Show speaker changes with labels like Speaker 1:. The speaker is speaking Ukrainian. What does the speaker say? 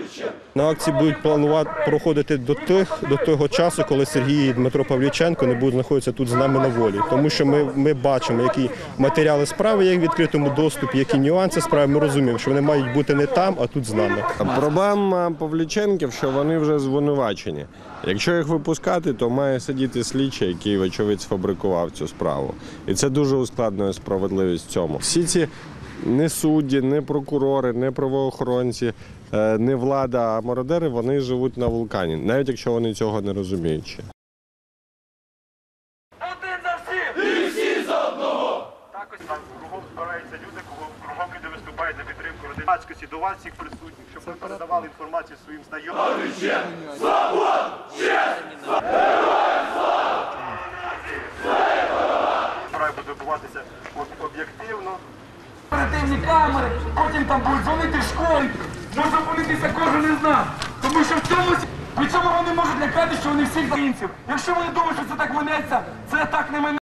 Speaker 1: На акції будуть проходити до того часу, коли Сергій і Дмитро Павліченко не будуть знаходитися тут з нами на волі. Тому що ми бачимо, які матеріали справи є в відкритому доступі, які нюанси справи. Ми розуміємо, що вони мають бути не там, а тут з нами.
Speaker 2: Проблема Павліченків, що вони вже звинувачені. Якщо їх випускати, то має сидіти слідчий, який, вочевидь, сфабрикував цю справу. І це дуже ускладнює справедливість в цьому. Всі ці не судді, не прокурори, не правоохоронці, не влада, а мародери, вони живуть на вулкані, навіть якщо вони цього не розуміють ще.
Speaker 3: Один за всіх! І всі за одного! Також там кругом збираються люди, кругом люди виступають на підтримку громадськості, до вас всіх присутніх, щоб ви передавали інформацію своїм знайомим. Свобода! Честь! Героям слава! Справа буде відбуватися об'єктивно.
Speaker 4: Оперативні камери, потім там будуть дзвонити в школі, може зупинитися кожен із нас. Тому що в цьому від цього вони можуть лякати, що вони всіх українців. Якщо вони думають, що це так минеться, це так не минеться.